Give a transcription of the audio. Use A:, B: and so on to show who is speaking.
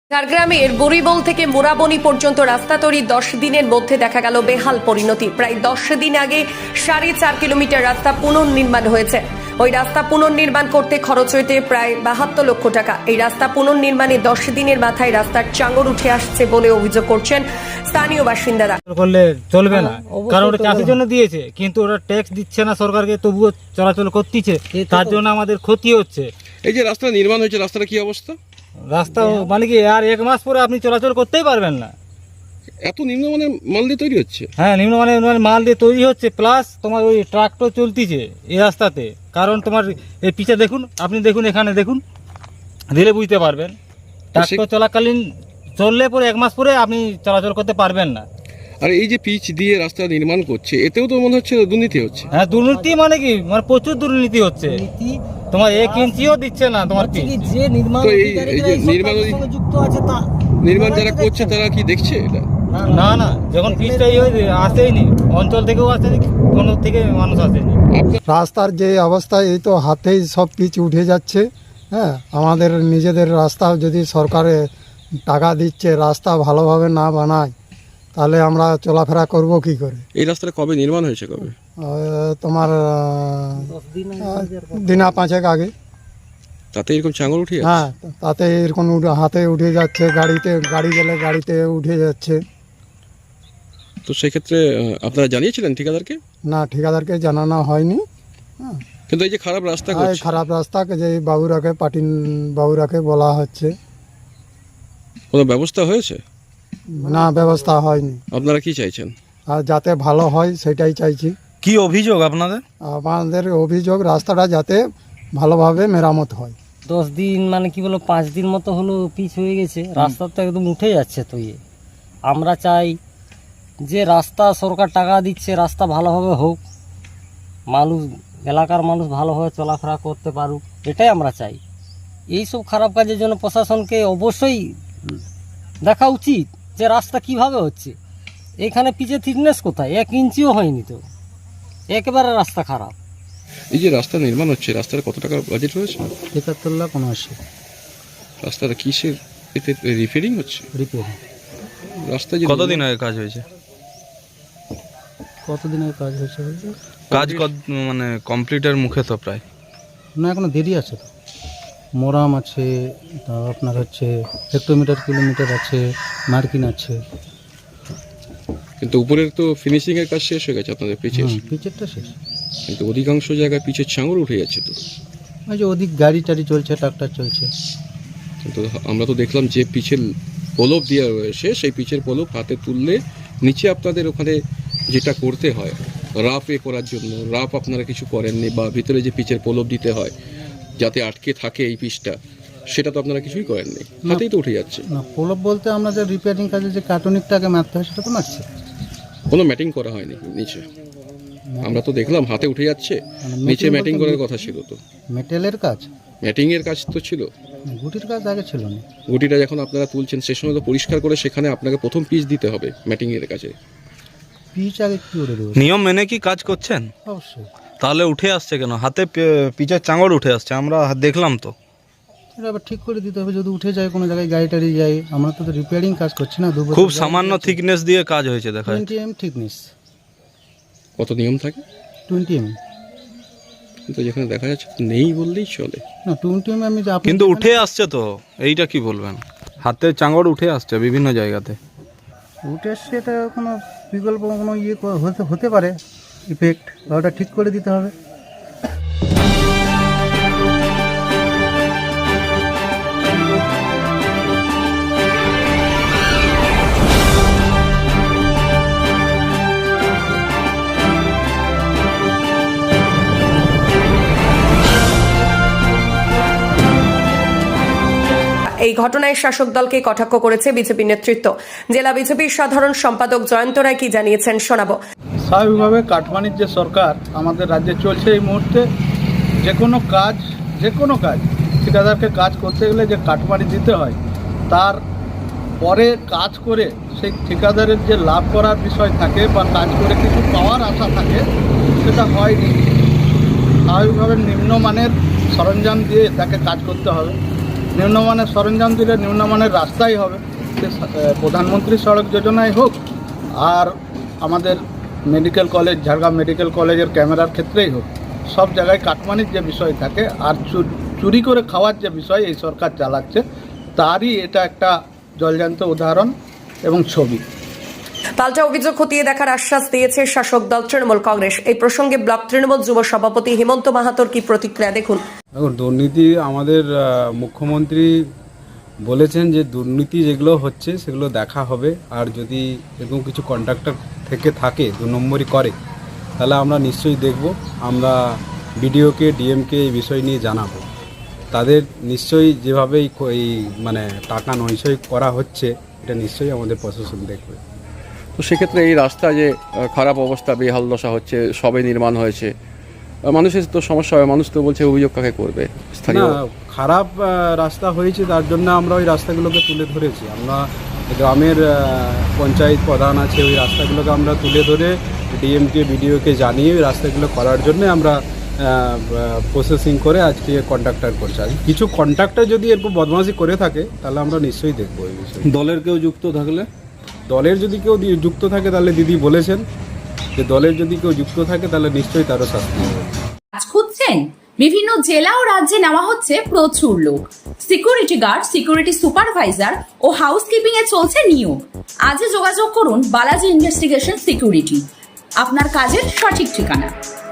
A: ঝাড়গ্রামের বুড়িবল থেকে মোরাবনি পর্যন্ত রাস্তা তৈরি 10 দিনের মধ্যে দেখা গেল বেহাল পরিণতি। প্রায় 10 দিন আগে 4.5 কিলোমিটার রাস্তা পুনর্নির্মাণ হয়েছে। ওই রাস্তা পুনর্নির্মাণ করতে খরচ হয়েছে প্রায় 72 লক্ষ টাকা। এই রাস্তা পুনর্নির্মাণে 10 দিনের মাথায় রাস্তার চাঙর উঠে আসছে বলে অভিযোগ করছেন স্থানীয় বাসিন্দারা।
B: করলে চলবে না, কারণ ওটা চাষের জন্য দিয়েছে, কিন্তু ওরা ট্যাক্স দিচ্ছে না সরকারকে, তবুও চলাচল করতেছে, তার জন্য আমাদের ক্ষতি হচ্ছে।
C: এই যে রাস্তা নির্মাণ হয়েছে, রাস্তাটা কি অবস্থা?
B: রাস্তা মানে কি আর 1 মাস পরে আপনি চলাচল করতেই পারবেন না।
C: এত নিম্নমানের মাল দিয়ে তৈরি হচ্ছে?
B: হ্যাঁ, নিম্নমানের মাল দিয়ে তৈরি হচ্ছে, প্লাস তোমার ওই ট্রাক্টর চলতিছে এই রাস্তাতে। কারণ তোমার এই পিছে দেখুন, আপনি দেখুন, এখানে দেখুন, দিলে বুঝতে পারবেন। ট্রাক্টর চলাকালীন চললে পরে 1 মাস পরে আপনি চলাচল করতে পারবেন না।
C: আর এই যে পিচ দিয়ে রাস্তা নির্মাণ করছে, এতেও তো মনে হচ্ছে দুর্নীতি হচ্ছে।
B: হ্যাঁ, দুর্নীতি মানে কি, মানে প্রচুর দুর্নীতি হচ্ছে। তোমার 1 ইঞ্চিও দিচ্ছে না তোমার পিচ।
D: যে নির্মাণ
C: তো এই যে
D: যুক্ত আছে তা
C: নির্মাণ যারা করছে তারা কি দেখছে এটা?
B: না না, যখন পিচটা আসেইনি, অঞ্চল থেকেও আসেনি, কোনো থেকে মানুষ আসেনি।
E: রাস্তার যে অবস্থা, এই তো হাতেই সব পিচ উঠে যাচ্ছে। হ্যাঁ, আমাদের নিজেদের রাস্তা যদি সরকারে টাকা দিচ্ছে, রাস্তা ভালোভাবে না বানায়, তাহলে আমরা চলাফেরা করব কি করে?
C: এই রাস্তাটা কবে নির্মাণ হয়েছে? কবে?
E: তোমার দিনা 5 আগে।
C: তাতে এরকম চাঙর উঠে যাচ্ছে?
E: হ্যাঁ, তাতে এরকম হাতে উঠে যাচ্ছে, গাড়ি গেলে গাড়িতে উঠে যাচ্ছে।
C: তো সেক্ষেত্রে আপনারা জানিয়েছিলেন ঠিকাদারকে?
E: না, ঠিকাদারকে জানানো হয়নি। হ্যাঁ,
C: কিন্তু এই যে খারাপ রাস্তা
E: এই
C: করছে,
E: খারাপ রাস্তাকে যে পাটিল বাবুরাকে বলা হচ্ছে,
C: কোনো ব্যবস্থা হয়েছে?
E: না, ব্যবস্থা হয়নি।
C: আপনারা কি চাইছেন?
E: আর যাতে ভালো হয় সেটাই চাইছি।
F: কি অভিযোগ আপনাদের?
E: আমাদের অভিযোগ রাস্তাটা যাতে ভালোভাবে মেরামত হয়।
D: 10 দিন মানে কি বলো 5 দিন মতো হলো পিচ হয়ে গেছে, রাস্তা তো একদম উঠে যাচ্ছে। তো আমরা চাই যে রাস্তা সরকার টাকা দিচ্ছে, রাস্তা ভালোভাবে হোক, মানুষ এলাকার মানুষ ভালোভাবে চলাফেরা করতে পারুক, এটাই আমরা চাই। এইসব খারাপ কাজের জন্য প্রশাসনকে অবশ্যই দেখা উচিত যে রাস্তা কিভাবে হচ্ছে। এখানে পিচে থিকনেস কোথায়? 1 ইঞ্চিও হয়নি, তো একেবারে রাস্তা খারাপ।
C: এই যে রাস্তা নির্মাণ হচ্ছে, রাস্তার কত টাকা বাজেট হয়েছে?
D: ৭৫,৭৯
C: রাস্তাটা কিসের এতে রিপেয়ারিং হচ্ছে?
D: রিপেয়ারিং।
C: রাস্তা যে
F: কতদিন আগে কাজ হয়েছে?
D: কতদিনের কাজ হয়েছে বলতে?
F: কাজ মানে কমপ্লিটের মুখে তো প্রায়।
D: না, এখনো দেরি আছে। তো মোরাম আছে, আপনার হচ্ছে হেক্টোমিটার কিলোমিটার আছে, মার্কিন আছে।
C: কিন্তু উপরের তো ফিনিশিং এর কাজ শেষ হয়ে গেছে আপনাদের পিচের,
D: পিচেরটা শেষ।
C: কিন্তু অধিকাংশ জায়গায় পিচের চাঙর উঠে যাচ্ছে। তো
D: ওই যে ওদিক গাড়ি টাড়ি চলছে, ট্রাক্টর চলছে।
C: কিন্তু আমরা তো দেখলাম যে পিচের পলব দেওয়া রয়েছে, সেই পিচের পলব হাতে তুললে নিচে আপনাদের ওখানে যেটা করতে হয় রাফ করার জন্য, রাফ আপনারা কিছু করেননি, বা ভিতরে যে পিচের পলব দিতে হয় যাতে আটকে থাকে এই পিচটা, সেটা তো আপনারা কিছুই করেননি, হাতেই তো উঠে যাচ্ছে।
D: না, পলব বলতে আমরা যে রিপেয়ারিং কাজে যে কার্টুনিকটাকে মারতে হয় সেটা তো মারছে।
C: কোনো ম্যাটিং করা হয়নি নিচে, আমরা তো দেখলাম হাতে উঠে যাচ্ছে, নিচে ম্যাটিং করার কথা ছিল। তো
D: মেটেলের কাজ,
C: ম্যাটিং এর কাজ তো ছিল,
D: গুটির কাজ আগে ছিল না।
C: গুটিটা যখন আপনারা তুলছেন সে সময় তো পরিষ্কার করে সেখানে আপনাকে প্রথম পিচ দিতে হবে ম্যাটিং এর কাছে।
D: পিচ আগে কি করে দেবো?
F: নিয়ম মেনে কি কাজ করছেন?
D: অবশ্যই।
F: তাহলে উঠে আসছে কেন? হাতে পিচের চাঙড় উঠে আসছে, আমরা দেখলাম তো।
D: এটা আবার ঠিক করে দিতে হবে। যদি উঠে যায় কোনো জায়গায় গাড়ি টাড়ি যায়, আমরা তো রিপেয়ারিং কাজ করছি না।
F: খুব সামান্য থিকনেস দিয়ে কাজ হয়েছে দেখা যাচ্ছে।
D: 20 mm থিকনেস।
C: কত নিয়ম থাকে?
D: 20 mm।
C: কিন্তু যেখানে দেখা যাচ্ছে নেই বললেই চলে।
D: না, 20 mm আমি
F: কিন্তু উঠে আসছে তো, এইটা কি বলবেন? হাতের চাঙড় উঠে আসছে বিভিন্ন জায়গাতে।
D: উঠে আসছে, এটা কোনো বিকল্প কোনো হতে পারে ইফেক্ট, বা ওটা ঠিক করে দিতে হবে।
A: এই ঘটনায় শাসক দলকে কটাক্ষ করেছে বিজেপি নেতৃত্ব। জেলা বিজেপির সাধারণ সম্পাদক জয়ন্ত রায় কি জানিয়েছেন শোনাবো।
G: স্বাভাবিকভাবে কাটমানির যে সরকার আমাদের রাজ্যে চলছে এই মুহূর্তে, যে কোনো কাজ ঠিকাদারকে কাজ করতে গেলে যে কাটমানি দিতে হয়, তার পরে কাজ করে সেই ঠিকাদারের যে লাভ করার বিষয় থাকে বা কাজ করে কিছু পাওয়ার আশা থাকে, সেটা হয়নি। স্বাভাবিকভাবে নিম্নমানের সরঞ্জাম দিয়ে তাকে কাজ করতে হবে। নিম্নমানের সরঞ্জাম দিলে নিম্নমানের রাস্তাই হবে। সে প্রধানমন্ত্রী সড়ক যোজনায় হোক আর আমাদের মেডিকেল কলেজ, ঝাড়গ্রাম মেডিকেল কলেজের ক্যামেরার ক্ষেত্রেই হোক, সব জায়গায় কাটমানির যে বিষয় থাকে আর চুরি করে খাওয়ার যে বিষয় এই সরকার চালাচ্ছে, তারই এটা একটা জলজান্ত উদাহরণ এবং ছবি।
A: পাল্টা অভিযোগ খতিয়ে দেখার আশ্বাস দিয়েছে শাসক দল তৃণমূল কংগ্রেস। এই প্রসঙ্গে ব্লক তৃণমূল যুব সভাপতি হেমন্ত মাহাতোর কি প্রতিক্রিয়া দেখুন।
H: দেখুন, দুর্নীতি আমাদের মুখ্যমন্ত্রী বলেছেন যে দুর্নীতি যেগুলো হচ্ছে সেগুলো দেখা হবে, আর যদি এরকম কিছু কন্ট্রাক্টর থেকে থাকে 2 নম্বরই করে, তাহলে আমরা নিশ্চয়ই দেখব। আমরা বিডিওকে, ডিএমকে এই বিষয় নিয়ে জানাবো। তাদের নিশ্চয়ই যেভাবেই এই মানে টাকা নয়সই করা হচ্ছে, এটা নিশ্চয়ই আমাদের প্রশাসন দেখবে।
C: তো সেক্ষেত্রে এই রাস্তা যে খারাপ অবস্থা, বেহাল দশা হচ্ছে, সবে নির্মাণ হয়েছে, মানুষের তো সমস্যা হবে। মানুষ তো বলছে অভিযোগ কাকে করবে? স্থানীয়
H: না, খারাপ রাস্তা হয়েছে তার জন্য আমরা ওই রাস্তাগুলোকে তুলে ধরেছি। আমরা গ্রামের পঞ্চায়েত প্রধান আছে, ওই রাস্তাগুলোকে আমরা তুলে ধরে ডিএমকে, বিডিওকে জানিয়ে ওই রাস্তাগুলো করার জন্য আমরা প্রসেসিং করে আজকে কন্ট্রাক্টর করছে। আর কিছু কন্ট্রাক্টর যদি এরকম বদমাশি করে থাকে তাহলে আমরা নিশ্চয়ই দেখবো এই বিষয়ে।
F: দলের কেউ যুক্ত থাকলে?
H: দলের যদি কেউ যুক্ত থাকে তাহলে দিদি বলেছেন যে দলের যদি কেউ যুক্ত থাকে তাহলে নিশ্চয়ই তারও শাস্তি হবে।
I: কাজ খুঁজছেন? বিভিন্ন জেলা ও রাজ্যে নেওয়া হচ্ছে প্রচুর লোক। সিকিউরিটি গার্ড, সিকিউরিটি সুপারভাইজার ও হাউসকিপিং এ চলছে নিয়োগ। আজই যোগাযোগ করুন বালাজি ইনভেস্টিগেশন সিকিউরিটি, আপনার কাজের সঠিক ঠিকানা।